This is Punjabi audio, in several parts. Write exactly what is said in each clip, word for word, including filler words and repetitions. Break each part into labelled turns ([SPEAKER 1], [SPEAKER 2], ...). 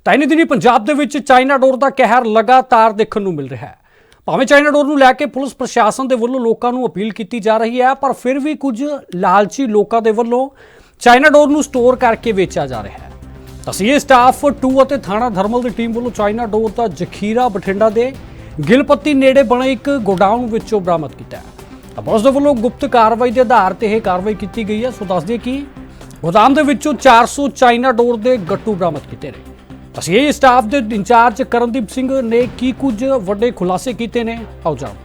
[SPEAKER 1] ਤਾਂ ਇਨੀ ਦਿਨੀ ਪੰਜਾਬ ਦੇ ਵਿੱਚ ਚਾਈਨਾ ਡੋਰ ਦਾ ਕਹਿਰ ਲਗਾਤਾਰ ਦੇਖਣ ਨੂੰ ਮਿਲ ਰਿਹਾ ਹੈ। ਭਾਵੇਂ ਚਾਈਨਾ ਡੋਰ ਨੂੰ ਲੈ ਕੇ ਪੁਲਿਸ ਪ੍ਰਸ਼ਾਸਨ ਦੇ ਵੱਲੋਂ ਲੋਕਾਂ ਨੂੰ ਅਪੀਲ ਕੀਤੀ ਜਾ ਰਹੀ ਹੈ, ਪਰ ਫਿਰ ਵੀ ਕੁਝ ਲਾਲਚੀ ਲੋਕਾਂ ਦੇ ਵੱਲੋਂ ਚਾਈਨਾ ਡੋਰ ਨੂੰ ਸਟੋਰ ਕਰਕੇ ਵੇਚਿਆ ਜਾ ਰਿਹਾ ਹੈ। ਤਸੀਹੇ ਸਟਾਫ ਟੂ ਅਤੇ ਥਾਣਾ ਧਰਮਲ ਦੀ ਟੀਮ ਵੱਲੋਂ ਚਾਈਨਾ ਡੋਰ ਦਾ ਜ਼ਖੀਰਾ ਬਠਿੰਡਾ ਦੇ ਗਿਲਪੱਤੀ ਨੇੜੇ ਬਣੇ ਇੱਕ ਗੋਡਾਊਨ ਵਿੱਚੋਂ ਬਰਾਮਦ ਕੀਤਾ ਹੈ। ਪੁਲਿਸ ਦੇ ਵੱਲੋਂ ਗੁਪਤ ਕਾਰਵਾਈ ਦੇ ਆਧਾਰ ਤੇ ਇਹ ਕਾਰਵਾਈ ਕੀਤੀ ਗਈ ਹੈ। ਸੋ ਦੱਸ ਦਈਏ ਕਿ ਗੋਦਾਮ ਦੇ ਵਿੱਚੋਂ ਚਾਰ ਸੌ ਚਾਈਨਾ ਡੋਰ ਦੇ ਗੱਟੂ ਬਰਾਮਦ ਕੀਤੇ ਨੇ। ਤਸੀਹੇ ਸਟਾਫ ਦੇ ਇੰਚਾਰਜ ਕਰਨਦੀਪ ਸਿੰਘ ਨੇ ਕੀ ਕੁਝ ਵੱਡੇ ਖੁਲਾਸੇ ਕੀਤੇ ਨੇ, ਆਓ ਜਾਣਦੇ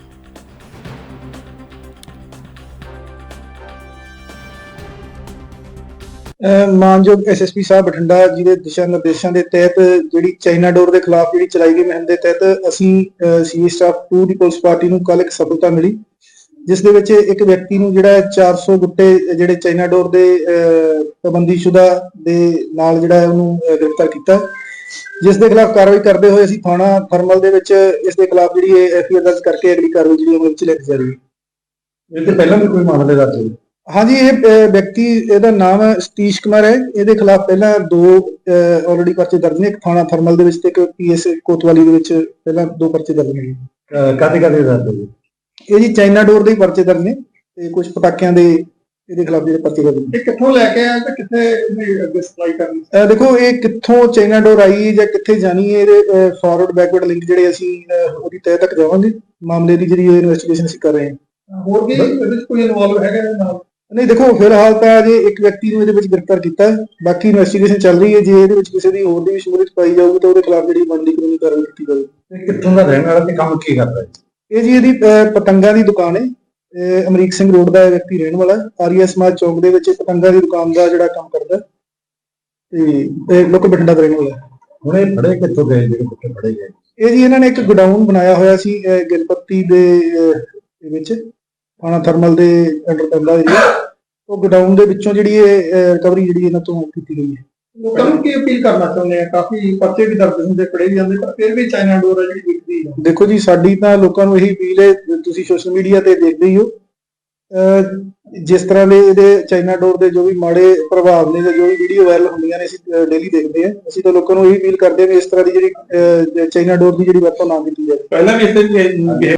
[SPEAKER 2] ਹਾਂ। ਮਾਨਯੋਗ ਐਸ ਐਸ ਪੀ ਸਾਹਿਬ ਬਠਿੰਡਾ ਜੀ ਦੇ ਦਿਸ਼ਾ ਨਿਰਦੇਸ਼ਾਂ ਦੇ ਤਹਿਤ ਜਿਹੜੀ ਚਾਈਨਾ ਡੋਰ ਦੇ ਖਿਲਾਫ ਜਿਹੜੀ ਚਲਾਈ ਗਈ ਮੁਹਿੰਮ ਦੇ ਤਹਿਤ ਅਸੀਂ ਸੀ ਸਟਾਫ ਟੂ ਦੀ ਪੁਲਿਸ ਪਾਰਟੀ ਨੂੰ ਕੱਲ ਇੱਕ ਸਫਲਤਾ ਮਿਲੀ, ਜਿਸ ਦੇ ਵਿੱਚ ਇੱਕ ਵਿਅਕਤੀ ਨੂੰ ਜਿਹੜਾ ਚਾਰ ਸੌ ਗੁੱਟੇ ਜਿਹੜੇ ਚਾਈਨਾ ਡੋਰ ਦੇ ਪਾਬੰਦੀਸ਼ੁਦਾ ਦੇ ਨਾਲ ਜਿਹੜਾ ਉਹਨੂੰ ਗ੍ਰਿਫਤਾਰ ਕੀਤਾ, ਜਿਸ ਦੇ ਖਿਲਾਫ ਕਾਰਵਾਈ ਕਰਦੇ ਹੋਏ ਅਸੀਂ ਥਾਣਾ ਥਰਮਲ ਦੇ ਵਿੱਚ ਇਸ ਦੇ ਖਿਲਾਫ ਜਿਹੜੀ ਐਫ ਆਈ ਆਰ ਦਰਜ ਕਰਕੇ ਅਗਲੀ ਕਾਰਵਾਈ ਜਿਹੜੀ ਉਹ ਵਿੱਚ ਲੈ ਕੇ ਜਾ ਰਹੀ ਹੈ। ਇਹ ਤੇ ਪਹਿਲਾਂ ਵੀ ਕੋਈ ਮਾਮਲੇ ਦਰਜ ਹੋਏ? ਹਾਂਜੀ, ਇਹ ਵਿਅਕਤੀ ਇਹਦਾ ਨਾਮ ਸਤੀਸ਼ ਕੁਮਾਰ ਹੈ। ਇਹਦੇ ਖਿਲਾਫ ਪਹਿਲਾਂ ਦੋ ਆਲਰੇਡੀ ਪਰਚੇ ਦਰਜ ਨੇ, ਇੱਕ ਥਾਣਾ ਥਰਮਲ ਦੇ ਵਿੱਚ ਤੇ ਇੱਕ ਪੀ ਐਸ ਕੋਤਵਾਲੀ ਦੇ ਵਿੱਚ ਪਹਿਲਾਂ ਦੋ ਪਰਚੇ ਦਰਜ ਨੇ। ਕਾਹਦੇ ਕਾਹਦੇ ਦਰਜ ਹੋਏ? ਇਹ ਜੀ ਚਾਈਨਾ ਡੋਰ ਦੇ ਹੀ ਪਰਚੇ ਦਰਜ ਨੇ ਤੇ ਕੁਝ ਪਟਾਕਿਆਂ ਦੇ ਇਹਦੇ ਖਿਲਾਫ ਜਿਹੜੇ ਪਰਚੇ ਦਰਜ ਨੇ। ਇਹ ਕਿੱਥੋਂ ਲੈ ਕੇ ਆਇਆ ਤੇ ਕਿੱਥੇ ਇਹਦੀ ਅੱਗੇ ਸਪਲਾਈ ਕਰਨੀ? ਦੇਖੋ, ਇਹ ਕਿੱਥੋਂ ਚਾਈਨਾ ਡੋਰ ਆਈ ਜਾਂ ਕਿੱਥੇ ਜਾਣੀ ਹੈ, ਇਹਦੇ ਫਾਰਵਰਡ ਬੈਕਵਰਡ ਲਿੰਕ ਜਿਹੜੇ ਅਸੀਂ ਉਹਦੀ ਤਹਿ ਤੱਕ ਜਾਵਾਂਗੇ। ਮਾਮਲੇ ਦੀ ਜਿਹੜੀ ਇਨਵੈਸਟੀਗੇਸ਼ਨ ਅਸੀਂ ਕਰ ਰਹੇ ਹਾਂ। ਹੋਰ ਵੀ ਇਹਦੇ ਵਿੱਚ ਕੋਈ ਇਨਵੋਲਵ ਹੈਗਾ ਇਹਦੇ ਨਾਲ? ਨਹੀਂ, ਦੇਖੋ ਫਿਲਹਾਲ ਤਾਂ ਅਜੇ ਇੱਕ ਵਿਅਕਤੀ ਨੂੰ ਇਹਦੇ ਵਿੱਚ ਗ੍ਰਿਫਤਾਰ ਕੀਤਾ ਹੈ, ਬਾਕੀ ਇਨਵੈਸਟੀਗੇਸ਼ਨ ਚੱਲ ਰਹੀ ਹੈ। ਜੇ ਇਹਦੇ ਵਿੱਚ ਕਿਸੇ ਦੀ ਹੋਰ ਦੀ ਵੀ ਸ਼ਮੂਲੀਅਤ ਪਾਈ ਜਾਊਗੀ ਤਾਂ ਉਹਦੇ ਖਿਲਾਫ ਜਿਹੜੀ ਬਣਦੀ ਕਾਨੂੰਨੀ ਕਾਰਵਾਈ ਕੀਤੀ ਜਾਵੇਗੀ। ਕਿੱਥੋਂ ਦਾ ਰਹਿਣ ਵਾਲਾ ਤੇ ਕੰਮ ਕੀ ਕਰਦਾ ਹੈ? ਇਹ ਜੀ ਇਹਦੀ ਪਤੰਗਾਂ ਦੀ ਦੁਕਾਨ ਹੈ। ਅਮਰੀਕ ਸਿੰਘ ਰੋਡ ਦਾ ਵਿਅਕਤੀ ਰਹਿਣ ਵਾਲਾ, ਆਰੀਆ ਸਮਾਜ ਚੌਂਕ ਦੇ ਵਿੱਚ ਪਤੰਗਾਂ ਦੀ ਦੁਕਾਨ ਦਾ ਜਿਹੜਾ ਕੰਮ ਕਰਦਾ ਤੇ ਲੋਕ ਬਠਿੰਡਾ ਦਾ ਰਹਿਣ ਵਾਲਾ। ਹੁਣ ਇਹ ਫੜੇ ਕਿੱਥੋਂ ਗਏ ਜਿਹੜੇ ਫੜੇ ਗਏ? ਇਹ ਜੀ ਇਹਨਾਂ ਨੇ ਇੱਕ ਗੋਡਾਊਨ ਬਣਾਇਆ ਹੋਇਆ ਸੀ ਗਿਲਪੱਤੀ ਦੇ ਵਿੱਚ, ਥਾਣਾ ਥਰਮਲ ਦੇ ਅੰਡਰ ਪੈਂਦਾ ਏਰੀਆ। ਉਹ ਗੋਡਾਊਨ ਦੇ ਵਿੱਚੋਂ ਜਿਹੜੀ ਇਹ ਰਿਕਵਰੀ ਜਿਹੜੀ ਇਹਨਾਂ ਤੋਂ ਕੀਤੀ ਗਈ ਹੈ। ਲੋਕਾਂ ਨੂੰ ਕੀ ਅਪੀਲ ਕਰਨਾ ਚਾਹੁੰਦੇ ਆ? ਕਾਫੀ ਪਰਚੇ ਵੀ ਦਰਜ ਹੁੰਦੇ, ਫੜੇ ਵੀ ਜਾਂਦੇ, ਪਰ ਫਿਰ ਵੀ ਚਾਈਨਾ ਡੋਰ ਆ ਜਿਹੜੀ ਵਿਕਦੀ ਹੈ। ਦੇਖੋ ਜੀ, ਸਾਡੀ ਤਾਂ ਲੋਕਾਂ ਨੂੰ ਇਹੀ ਅਪੀਲ ਹੈ, ਤੁਸੀਂ ਸੋਸ਼ਲ ਮੀਡੀਆ ਤੇ ਦੇਖਦੇ ਹੀ ਹੋ ਜਿਸ ਤਰ੍ਹਾਂ ਦੇ ਇਹਦੇ ਚਾਈਨਾ ਡੋਰ ਦੇ ਜੋ ਵੀ ਮਾੜੇ ਪ੍ਰਭਾਵ ਨੇ ਜਾਂ ਜੋ ਵੀ ਵੀਡੀਓ ਵਾਇਰਲ ਹੁੰਦੀਆਂ ਨੇ ਅਸੀਂ ਡੇਲੀ ਦੇਖਦੇ ਹਾਂ। ਅਸੀਂ ਤਾਂ ਲੋਕਾਂ ਨੂੰ ਇਹੀ ਅਪੀਲ ਕਰਦੇ ਹਾਂ ਕਿ ਇਸ ਤਰ੍ਹਾਂ ਦੀ ਜਿਹੜੀ ਚਾਈਨਾ ਡੋਰ ਦੀ ਜਿਹੜੀ ਵਰਤੋਂ ਨਾ ਕੀਤੀ ਜਾਵੇ। ਪਹਿਲਾਂ ਵੀ ਇਸ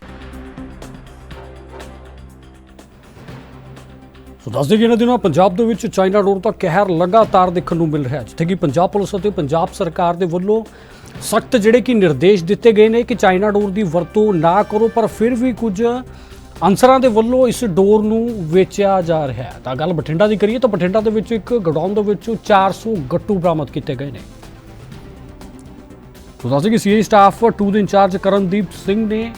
[SPEAKER 1] ਸੋ ਦੱਸ ਦਈਏ, ਇਹਨਾਂ ਦਿਨਾਂ ਪੰਜਾਬ ਦੇ ਵਿੱਚ ਚਾਈਨਾ ਡੋਰ ਦਾ ਕਹਿਰ ਲਗਾਤਾਰ ਦੇਖਣ ਨੂੰ ਮਿਲ ਰਿਹਾ ਹੈ, ਜਿੱਥੇ ਕਿ ਪੰਜਾਬ ਪੁਲਿਸ ਅਤੇ ਪੰਜਾਬ ਸਰਕਾਰ ਦੇ ਵੱਲੋਂ ਸਖਤ ਜਿਹੜੇ ਕਿ ਨਿਰਦੇਸ਼ ਦਿੱਤੇ ਗਏ ਨੇ ਕਿ ਚਾਈਨਾ ਡੋਰ ਦੀ ਵਰਤੋਂ ਨਾ ਕਰੋ, ਪਰ ਫਿਰ ਵੀ ਕੁਝ ਅਨਸਰਾਂ ਦੇ ਵੱਲੋਂ ਇਸ ਡੋਰ ਨੂੰ ਵੇਚਿਆ ਜਾ ਰਿਹਾ ਹੈ। ਤਾਂ ਗੱਲ ਬਠਿੰਡਾ ਦੀ ਕਰੀਏ ਤਾਂ ਬਠਿੰਡਾ ਦੇ ਵਿੱਚ ਇੱਕ ਗੋਡਾਊਨ ਦੇ ਵਿੱਚੋਂ ਚਾਰ ਸੌ ਗੱਟੂ ਬਰਾਮਦ ਕੀਤੇ ਗਏ ਨੇ। ਸੋ ਦੱਸ ਦਈਏ ਕਿ ਸੀ ਸਟਾਫ ਟੂ ਦੇ ਇੰਚਾਰਜ ਕਰਨਦੀਪ ਸਿੰਘ ਨੇ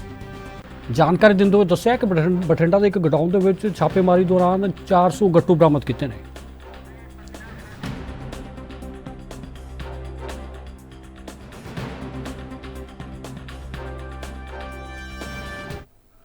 [SPEAKER 1] ਜਾਣਕਾਰੀ ਦਿੰਦੇ ਹੋਏ ਦੱਸਿਆ ਕਿ ਬਠਿੰਡਾ ਦੇ ਇੱਕ ਗੋਡਾਊਨ ਦੇ ਵਿੱਚ ਛਾਪੇਮਾਰੀ ਦੌਰਾਨ ਚਾਰ ਸੌ ਗੱਟੂ ਬਰਾਮਦ ਕੀਤੇ ਨੇ।